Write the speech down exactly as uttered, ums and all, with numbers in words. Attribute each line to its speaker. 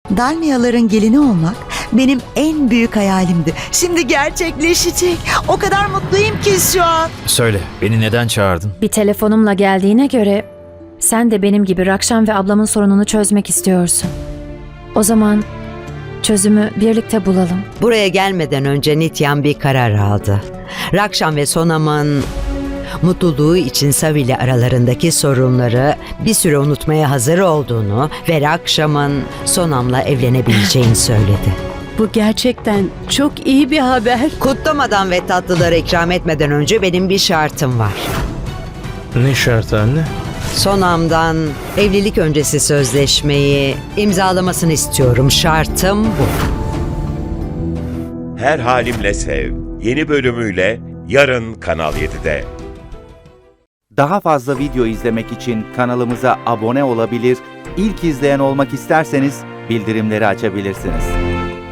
Speaker 1: Dalmiyaların gelini olmak benim en büyük hayalimdi. Şimdi gerçekleşecek. O kadar mutluyum ki şu an.
Speaker 2: Söyle, beni neden çağırdın?
Speaker 3: Bir telefonumla geldiğine göre sen de benim gibi Rakşan ve ablamın sorununu çözmek istiyorsun. O zaman çözümü birlikte bulalım.
Speaker 4: Buraya gelmeden önce Nityan bir karar aldı. Rakşan ve Sonam'ın mutluluğu için Savi ile aralarındaki sorunları bir süre unutmaya hazır olduğunu ve Rakşan'ın Sonam'la evlenebileceğini söyledi.
Speaker 5: Bu gerçekten çok iyi bir haber.
Speaker 4: Kutlamadan ve tatlıları ikram etmeden önce benim bir şartım var.
Speaker 6: Ne şartı anne?
Speaker 4: Sonam'dan evlilik öncesi sözleşmeyi imzalamasını istiyorum. Şartım bu.
Speaker 7: Her Halimle Sev yeni bölümüyle yarın Kanal yedide.
Speaker 8: Daha fazla video izlemek için kanalımıza abone olabilir, ilk izleyen olmak isterseniz bildirimleri açabilirsiniz.